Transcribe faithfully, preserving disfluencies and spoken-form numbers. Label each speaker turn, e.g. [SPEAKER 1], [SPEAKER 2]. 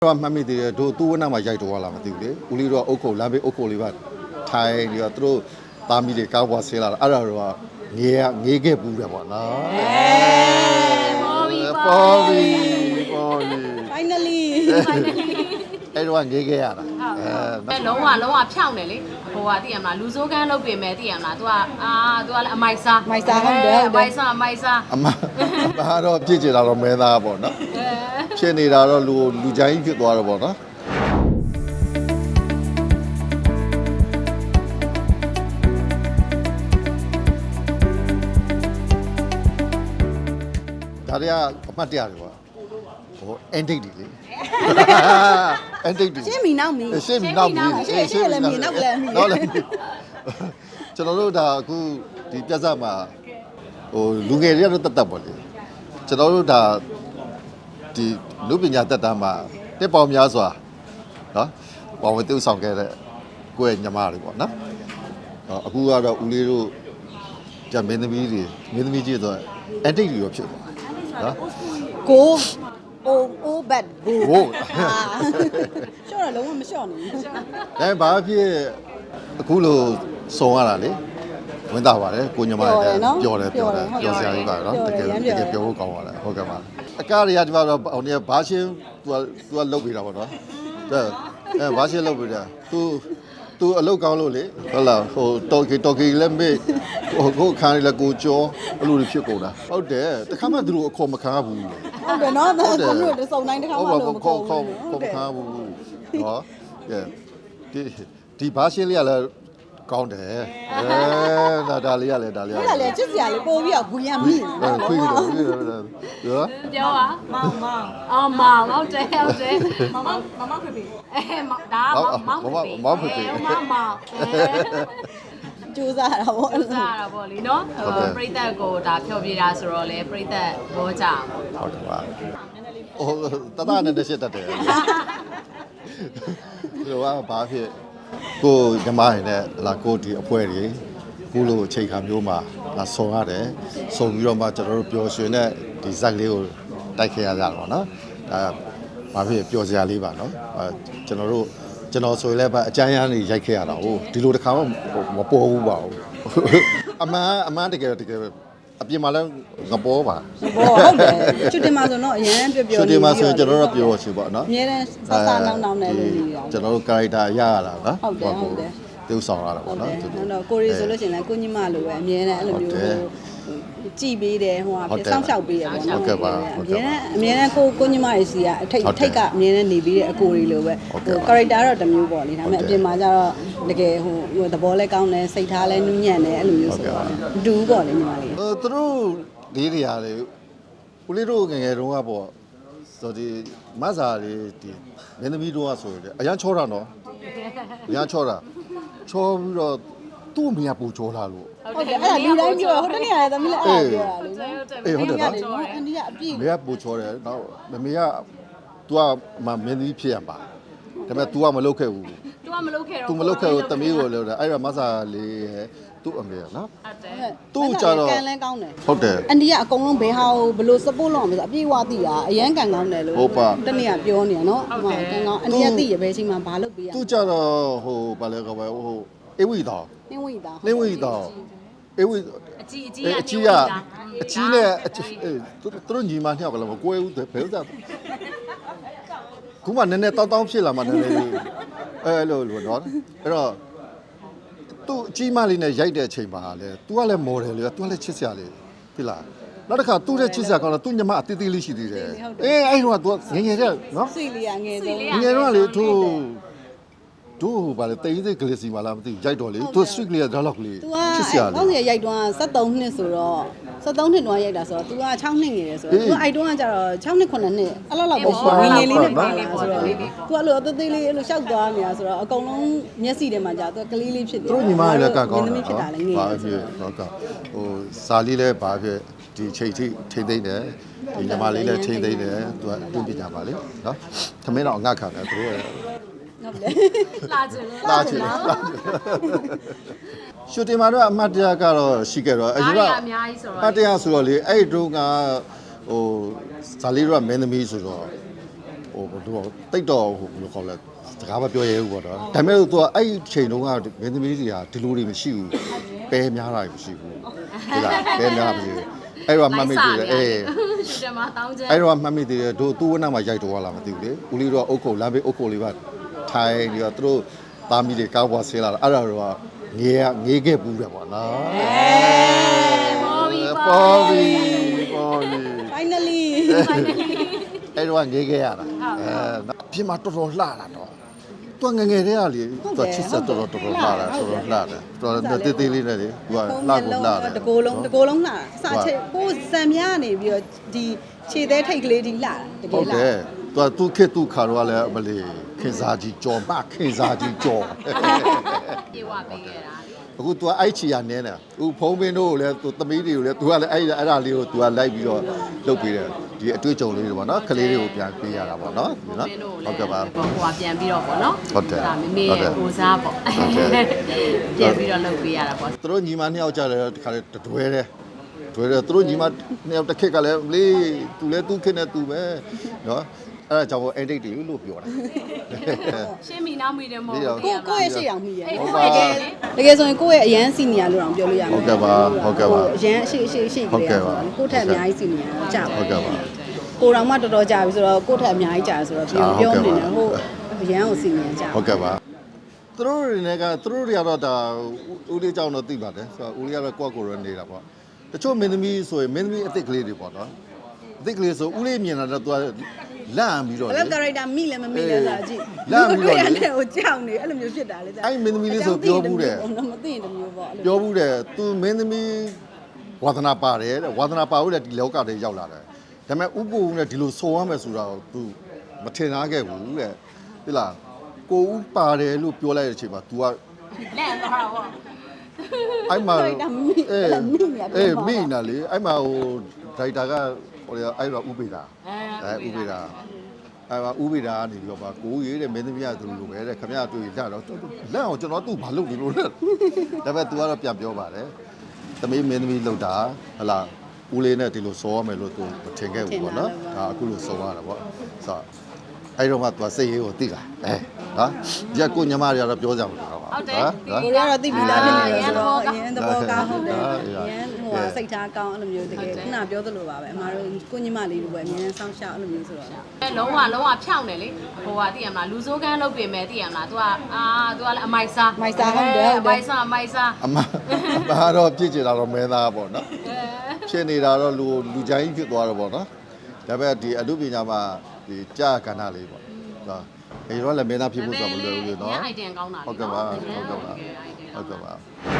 [SPEAKER 1] တော့မှတ်မိသေးတယ်တို့သူ့ဝနာမှာရိုက်တော့လာမသိဘူးလေဦးလေးတို့ကအုတ်ခုံလမ်းဘေးအုတ်ခုံလေးပါထိုင်ပြီးတော့သူတို့သားမီးတွေကားပွားဆဲလာတာအဲ့ဒါတော့ငေးငေးခဲ့ပူးတယ်ပေါ့နော်ပေါ်ပြီပေါ်ပြီ
[SPEAKER 2] finally
[SPEAKER 1] အဲ့တော့ငေးခဲ့ရတာ
[SPEAKER 3] အဲလုံးဝလုံးဝဖြောင်းတယ်လေဟိုကသိရမလားလူစိုးကန်းလုပ်ပြင်မဲ့သိရမလား तू อ่ะအာ तू อ่ะလည်းအမိုက်စား
[SPEAKER 2] မိုက်စားဟုတ်တယ်ဟုတ်တယ်
[SPEAKER 3] အမိုက်စားအမိုက်စား
[SPEAKER 1] အမဘာတော့ပြည့်ကျတာတော့မဲသားပေါ့နော်ဖြစ်နေတာတော့လူလူချိုင်းဖြစ်သွားတော့ပေါ့နော်ဒါတွေကအမှတ်တရတွေပေါ့ဟိုအန်တိတ်တွေလေအန်တိတ်တွေ
[SPEAKER 2] ရှင်းမီနောက်မီ
[SPEAKER 1] ရှင်းမီနောက်မီ
[SPEAKER 2] ရှင်းရှင်းလည်းမီနောက်လည်းမီ
[SPEAKER 1] နောက်လည်းကျွန်တော်တို့ဒါအခုဒီပြဿနာမှာဟိုလူငယ်တွေကတော့တတ်တတ်ပေါ့လေကျွန်တော်တို့ဒါဒီလူပညာတက်တာမှာတက်ပေါင်းများစွာနော်ပေါင်းဝတူဆောင်ခဲ့တဲ့ကိုယ့်ရဲ့ညီမတွေပေါ့နော်အခုကတော့ဦးလေးတို့ကြမင်းသမီးတွေမင်းသမီးကြီးဆိုအန်တိတ်တွေရောဖြစ်သွားနော်
[SPEAKER 2] ကိုအိုအိုဘတ်ကို
[SPEAKER 1] ဟို
[SPEAKER 2] ရှော့တော့လုံးဝမရှော့ဘူး
[SPEAKER 1] အဲဘာဖြစ်အခုလိုစုံရတာလေဝင်တာပါတယ်ကိုညီမတွေပျော်တယ်ပျော်တယ်ပျော်စရာကြီးပါနော်တကယ်တကယ်ပျော်ဖို့ကောင်းပါတယ်ဟုတ်ကဲ့ပါအကားတွေကဒီမှာတော့ဟိုနေဘာရှင်း तू तू လုတ်ပေးတာပေါ့နော်အဲဘာရှင်းလုတ်ပေးတာ तू तू အလုတ်ကောင်းလို့လေဟုတ်လားဟိုတော်ကီတော်ကီလည်းမေ့ဟိုကိုခါရီလည်းကိုကြောအဲ့လိုတွေဖြစ်ကုန်တာဟုတ်တယ်တခါမှသူတို့အခေါ်မခံဘူးလေ
[SPEAKER 2] ဟုတ်တယ်နော်ကွန်ပျူတာစုံတိုင်းတစ်ခါမှလို့မခေါ်ဘူး
[SPEAKER 1] ခေါ်မခံဘူးဟောဒီဒီဘာရှင်းလေးကလည်းကောင်းတယ်အဲဒါဒါလေးရလဲဒါလေးရလဲ
[SPEAKER 2] အဲ့ဒါလေချစ်စရာလေးပို့ပြီးတော့ဘူးရမိ
[SPEAKER 1] အဲခွေးတယ်ခွေးတယ်ရော
[SPEAKER 3] ပြောပါမောင်မောင်အော်မောင်ဟုတ်တယ်ဟုတ်တယ်မောင်မောင်မောင်မောင်ဖေဖေအဲဒါမောင်မောင်ဖေဖေမောင်မောင်မောင်မောင်
[SPEAKER 2] ကျူးစားတာပေါ့
[SPEAKER 3] ကျူးစားတာပေါ့လीနော်ဟိုပြိသက်ကိုဒါဖြောပြတာဆိုတော့လေပြိသက်ဘောကြ
[SPEAKER 1] ဟုတ်တယ်ပါဟိုတတနဲ့တက်ရှစ်တက်တယ်ဒီကဘာဖြစ်ကိုညီမရနဲ့လာကိုဒီအဖွဲတွေခုလိုအချိန်ခါမျိုးမှာလာဆုံရတယ်ဆုံပြီးတော့မှကျွန်တော်တို့ပျော်ရွှင်တဲ့ဒီဇက်လေးကိုတိုက်ခဲ့ရကြတာပေါ့နော်ဒါဘာဖြစ်ပျော်စရာလေးပါနော်အဲကျွန်တော်တို့ကျွန်တော်ဆိုရင်လည်းအကြမ်းရမ်းနေရိုက်ခဲ့ရတာဟုတ်ဒီလိုတစ်ခါမှမပေါ်ဘူးပါဘူးအမှန်အမှန်တကယ်တကယ်အပြင်မှာလည်းငပေါ်ပါ
[SPEAKER 2] ဘောဟုတ်တယ်ချွတ်တင်မှာဆိုတော့အရင်ပြောပြော
[SPEAKER 1] ချွတ်တင်မှာဆိုရင်ကျွန်တော်တို့ပြောချင်ပါနော်
[SPEAKER 2] အများနဲ့ဆဆနောင်းနောင်းနဲ့လို့နေတာ
[SPEAKER 1] ကျွန်တော်တို့ character ရရတာနော်
[SPEAKER 2] ဟုတ်တယ်ဟုတ်တယ်
[SPEAKER 1] တူဆောင်ရတာပေါ့နော်
[SPEAKER 2] ဟုတ်တော့ကိုရီဆိုလို့ရှိရင်လည်းကိုညီမလိုပဲအမြဲတမ်းအဲ့လိုမျိုးကြည်ပေးတယ်ဟိုကစောင့်ရှောက်ပေးရပေါ့နော်
[SPEAKER 1] ဟုတ်ကဲ့ပါ
[SPEAKER 2] အမြဲတမ်းအမြဲတမ်းကိုကိုညီမတွေစီကအထိတ်ထိတ်ကအမြဲတမ်းနေပြီးတဲ့အကိုတွေလိုပဲဟို character တော့တစ်မျိုးပေါ့လေဒါပေမဲ့အပြင်မှာကျတော့တကယ်ဟိုသဘောလဲကောင်းတယ်စိတ်ထားလဲနူးညံ့တယ်အဲ့လိုမျိုးဆိုတော့ဒူးပေါ့လေညီမလေး
[SPEAKER 1] ဟိုသူတို့လေးတွေရတယ်ဦးလေးတို့ငယ်ငယ်တုန်းကပေါ့ဆိုဒီမဆာလေးဒီမင်းသမီးတို့ကဆိုရင်အရန်ချောတာနော်အရန်ချောတာချောပြီးတော့သူ့အမေကပူချောလာလို့
[SPEAKER 2] ဟုတ်တယ်အဲ့ဒါလူတိုင်းပြောဟိုတနေ့ကလည်းသမီးလည်းအဲ့ဒါပြောတာလေ
[SPEAKER 1] အေးဟုတ်တယ်နော်
[SPEAKER 2] အန်ဒီကအပြည့်
[SPEAKER 1] မေကပူချောတယ်နောက်မမေက तू ကမမင်းသမီးဖြစ်ရပါဒါပေမဲ့ तू ကမလုပ်ခဲ့ဘူး
[SPEAKER 3] तू ကမလုပ်ခဲ့တော့
[SPEAKER 1] तू မလုပ်ခဲ့ဘူးတမီးကိုလုပ်တယ်အဲ့ဒါမဆာလေးရဲ့သူ့အမေနော်
[SPEAKER 3] ဟုတ်တယ်
[SPEAKER 1] သူ့ကြတော့
[SPEAKER 2] ကန်လဲကောင်းတယ်
[SPEAKER 1] ဟုတ်တယ်
[SPEAKER 2] အန်ဒီကအကုန်လုံးဘယ်ဟာကိုဘယ်လို support လုပ်အောင်လဲဆိုအပြည့်ဝသိတာအရန်ကန်ကောင်းတယ်လို့တနေ့ကပြောနေရနော်ဟိုကန်ကောင်းအန်ဒီကသိရဘယ်ချိန်မှာဘာလုပ်ပေးရ
[SPEAKER 1] သူ့ကြတော့ဟိုဘာလဲကောပဲဟိုအေးဝီတော်
[SPEAKER 2] နှင်းဝီတော်
[SPEAKER 1] နှင်းဝီတော်အေးဝီ
[SPEAKER 3] အကြီးအကြီး
[SPEAKER 1] အကြီးကအကြီးနဲ့သူတို့ညီမနှစ်ယောက်ကလည်းမကွဲဘူးဘယ်ဥစ္စာခုမှနည်းနည်းတောင်းတောင်းဖြစ်လာမှနည်းနည်းလေးအဲလိုလိုနော်အဲ့တော့သူအကြီးမလေးနဲ့ရိုက်တဲ့အချိန်မှာလေ तू ကလည်း model လေ तू ကလည်းချစ်စရာလေဖြစ်လားနောက်တစ်ခါသူ့ရဲ့ချစ်စရာကောင်းတော့သူ့ညီမအသေးသေးလေးရှိသေးတယ်အေးအဲ့တော့ तू ငယ်ငယ်တဲ့နော်
[SPEAKER 2] ဆွေလေးကငယ်ဆုံး
[SPEAKER 1] ငယ်တော့လေသူတို့ဘာလဲတိတ်စိတ်ကလေးစီမလားမသိရိုက်တော့လေသူ sweet လေးကဒါလောက်လေး
[SPEAKER 2] ချစ်စရာလေကောင်းစရာရိုက်တော့ဆက်သုံးနှစ်ဆိုတော့ဆက်သုံးနှစ်တော့ရိုက်တာဆိုတော့ तू က၆နှစ်ငယ်တယ်ဆိုတော့ तू အိုက်တော့ကကျတော့၆နှစ်ခုနှစ်နှစ်အဲ့လောက်လောက်ပဲရှိငယ်ငယ်လေးနဲ့ပါလာဆိုတော့ तू အဲ့လိုအသေးသေးလေးအဲ့လိုရှောက်သွားနေတာဆိုတော့အကုန်လုံးမျက်စိထဲမှာကြာ तू ကလေးလေးဖြစ်တယ်
[SPEAKER 1] သူညီမလည်းကကောင်း
[SPEAKER 2] တယ်ဖြစ်တာလည်းငယ်
[SPEAKER 1] ဘာဖြစ်တော့ကဟိုစာလေးလည်းဘာဖြစ်ဒီချိန်ထိထိမ့်သိမ့်တယ်ဒီညီမလေးလည်းထိမ့်သိမ့်တယ် तू အတူပညာပါလေနော်သမင်းတော့အငတ်ခံတယ်သူတို့ရဲ့
[SPEAKER 2] ဟုတ်တယ်
[SPEAKER 3] လာချင်လို့
[SPEAKER 1] လာချင်ရှူတင်မှာတော့အမှတ်တရကတော့ရှိခဲ့တော့
[SPEAKER 3] အရင်ကအများကြီးဆိုတော့
[SPEAKER 1] အမှတ်တရဆိုတော့လေအဲ့တုန်းကဟိုဇာလီတို့ကမင်းသမီးဆိုတော့ဟိုတော့တိတ်တော့ဟိုဘယ်လိုခေါ်လဲစကားမပြောရဲဘူးပေါ့နော်ဒါပေမဲ့သူကအဲ့ဒီချိန်တုန်းကမင်းသမီးတွေကဒီလိုတွေမရှိဘူးပဲများတာမရှိဘူးဒီလားပဲများမရှိဘူးအဲ့တော့မှတ်မိသေးတယ်အေး
[SPEAKER 3] ဒီမှာတောင်းချမ်း
[SPEAKER 1] အဲ့တော့မှတ်မိသေးတယ်တို့သူ့ဝနမှာရိုက်တော့လာမသိဘူးလေဦးလေးတို့ကအုတ်ခုတ်လမ်းဘေးအုတ်ခုတ်လေးပါထိုင်ပြီးတော့သူတို့သားမီးတွေကောက်ပွားဆေးလာတာအဲ့ဒါတော့ငေးငေးခဲ့ပူးတယ်ပေါ့နော်
[SPEAKER 3] ပေါ်ပြီ
[SPEAKER 1] ပေါ်ပြီပေါ်ပြီ
[SPEAKER 2] finally
[SPEAKER 1] အဲ့တော့ငေးခဲ့ရတာအဲပြင်မှာတော်တော်လှလာတော့သူငငယ်တည်းကလေသူချစ်ဆက်တော်တော်တော်တော်လှလာတော်တော်လှတယ်တော်တော်တေးသေးလေးနဲ့လေသူကလှကိုလှတယ်
[SPEAKER 2] တကိုယ်လုံးတကိုယ်လုံးလှစချေကိုစံမြနေပြီးတော့ဒီခြေသေးထိတ်ကလေးဒီလှတက
[SPEAKER 1] ဟု
[SPEAKER 2] ယ်
[SPEAKER 1] တ်
[SPEAKER 2] လှ
[SPEAKER 1] တယ်သူသူခေသူခါတော့လည်းမလေးခင်စားကြီးကြော်မခင်စားကြီးကြော်
[SPEAKER 3] ပြေဝပေးခဲ့တာလေ
[SPEAKER 1] အခု तू အဲ့ချီရနင်းတယ်အခုဖုံးပင်းတို့ကိုလည်း तू သမီးတွေကိုလည်း तू ကလည်းအဲ့အဲ့ဒါလေးကို तू ကလိုက်ပြီးတော့လုပ်ပေးတယ်ဒီအတွေ့အကြုံလေးတွေပေါ့နော်ကလေးတွေကိုပြန်ပေးရတာပေါ့နော်နော်ဟုတ်ကဲ့ပါ
[SPEAKER 3] ဟိုကပြန်ပြီးတော့ပေါ့နော်
[SPEAKER 1] ဟုတ်တယ်
[SPEAKER 3] ဒါမမေရဲ့ကိုစားပေါ့
[SPEAKER 1] ဟုတ်တယ်
[SPEAKER 3] ပြန်ပြီးတော့လုပ်ပေးရတာပေါ့
[SPEAKER 1] သူတို့ညီမနှစ်ယောက်ကြတယ်တခါလေတွဲတယ်တွဲတယ်သူတို့ညီမနှစ်ယောက်တစ်ခက်ကလည်းလေ तू လည်း तू ခက်နေ तू ပဲနော်အဲ့ဒါကြောင့်အဲ့ဒိတ်တွေလို့ပြောတာ
[SPEAKER 3] ရှင်းမိနားမိတယ်မဟုတ်
[SPEAKER 2] ကိုကိုရဲ့ရှေ့အောင်မိရဲ့
[SPEAKER 3] ဟုတ်ပါရဲ့
[SPEAKER 2] တကယ်ဆိုရင်ကိုယ့်ရဲ့အရန်စီနီယာလို့တောင်ပြောလို့ရမှာ
[SPEAKER 1] ဟုတ်ကဲ့ပါဟုတ်ကဲ့ပါ
[SPEAKER 2] အရန်အရှိအရှိအရှိကလေးဆိုတော့ကိုယ့်ထက်အများကြီးစီနီယာကြာပါ
[SPEAKER 1] ဟုတ်ကဲ့ပါ
[SPEAKER 2] ကိုတော်မှတော်တော်ကြာပြီဆိုတော့ကိုယ့်ထက်အများကြီးကြာဆိုတော့ပြောပြောနေတယ်ဟုတ်အရန်ကိုစီနီယာကြာ
[SPEAKER 1] ဟုတ်ကဲ့ပါသူတို့တွေနဲ့ကသူတို့တွေကတော့ဒါဦးလေးကြောင့်တော့သိပါတယ်ဆိုတော့ဦးလေးကတော့ကိုယ့်ကိုယ်ရနေတာပေါ့တချို့မင်းသမီးဆိုရင်မင်းသမီးအစ်စ်ကလေးတွေပေါ့နော်အစ်စ်ကလေးဆိုဦးလေးမြင်တာတော့သူကလန့်ပြီးတော့
[SPEAKER 2] ဘ
[SPEAKER 1] လေ
[SPEAKER 2] ယ်ကာရိုက်တာမိလည်းမမိလည်းဆိုတာကြည့်
[SPEAKER 1] လန့်ပြီးတော့လေ
[SPEAKER 2] အဲ့ဟိုကြောက်နေအဲ့လိုမျိုးဖြစ်တာလေ
[SPEAKER 1] အဲ့မင်းသမီးလေးဆိုပြောဘူးတယ်
[SPEAKER 2] မသိရင်တမျိုးပေါ့အဲ့လို
[SPEAKER 1] ပြောဘူးတယ်သူမင်းသမီးဝါသနာပါတယ်တဲ့ဝါသနာပါလို့လည်းဒီလောကထဲရောက်လာတယ်ဒါပေမဲ့ဥပ္ပိုလ်နဲ့ဒီလိုဆိုရမယ်ဆိုတာကိုသူမထင်သားခဲ့ဘူးတဲ့ဒီလားကိုဥပါတယ်လို့ပြောလိုက်တဲ့အချိန်မှာ तू က
[SPEAKER 3] လန့်သွားတာပေါ့
[SPEAKER 1] အဲ့မှာ
[SPEAKER 2] ဒါမိအဲ့လိုမိနေ
[SPEAKER 1] အေးမိနာလေအဲ့မှာဟိုဒိုက်တာကဟိုအဲ့တော့ဥပိတာအဲဥပိတာအဲ့မှာဥပိတာကနေပြီးတော့ပါကိုကြီးတဲ့မင်းသမီးကသူလိုပဲတဲ့ခမရတွေ့ရတော့လက်အောင်ကျွန်တော်သူ့ဘာလုပ်နေလို့လဲဒါပေမဲ့ तू ကတော့ပြန်ပြောပါတယ်သမီးမင်းသမီးလောက်တာဟလာဦးလေးနဲ့ဒီလိုစောရမယ်လို့ तू မထင်ခဲ့ဘူးပေါ့နော်ဒါအခုလိုစောရတာပေါ့ဆိုတော့အဲ့တော့မှ तू စိတ်ရေးကိုသိလာအဲနော်ဒီကကိုညမတွေကတော့ပြောကြမှာတော့ပါ
[SPEAKER 3] ဟုတ်တယ်
[SPEAKER 1] နော်
[SPEAKER 2] ကိုရတော့သိပြီးသားဖြစ်နေတယ်ဆိုတော့အရင်သဘောကောင်းဟုတ်တယ်
[SPEAKER 1] ဟုတ်
[SPEAKER 2] အ
[SPEAKER 1] တယ်
[SPEAKER 2] ရင်ဟိုစိတ်ထားကောင်းအဲ့လိုမျိုးတကယ်ခုနပြောသလိုပါပဲအမားတို့ကိုညီမလေးတို့ပဲအမြဲတမ်းစောင့်ရှောက်အဲ့လိုမျိုးဆိုတော့
[SPEAKER 3] အဲလုံးဝလုံးဝဖြောင်းတယ်လေဟိုကသိရမလားလူစိုးကန်းလုပ်ပြင်မယ်သိရမလား तू ကအာ तू ကလည်းအမိုက်စား
[SPEAKER 2] မိုက်စားဟုတ်တယ်ဟုတ်တယ်
[SPEAKER 3] အမိုက်စားအမိုက်စား
[SPEAKER 1] အမအမတော့ပြည့်ကျင်တာတော့မဲသားပေါ့နော်ဖြစ်နေတာတော့လူလူချိုင်းဖြစ်သွားတော့ပေါ့နော်ဒါပေမဲ့ဒီအမှုပညာမှာဒီကြာကဏ္ဍလေးပေါ့ဒါဒီတော့လည်းမဲသားဖြစ်ဖို့ဆိုတော့မလွယ်ဘူးလေနော်
[SPEAKER 3] အိုင်တန်ကောင်းတာလေ
[SPEAKER 1] ဟုတ်ကဲ့ပါဟုတ်ကဲ့ပါဟုတ်ကဲ့ပါ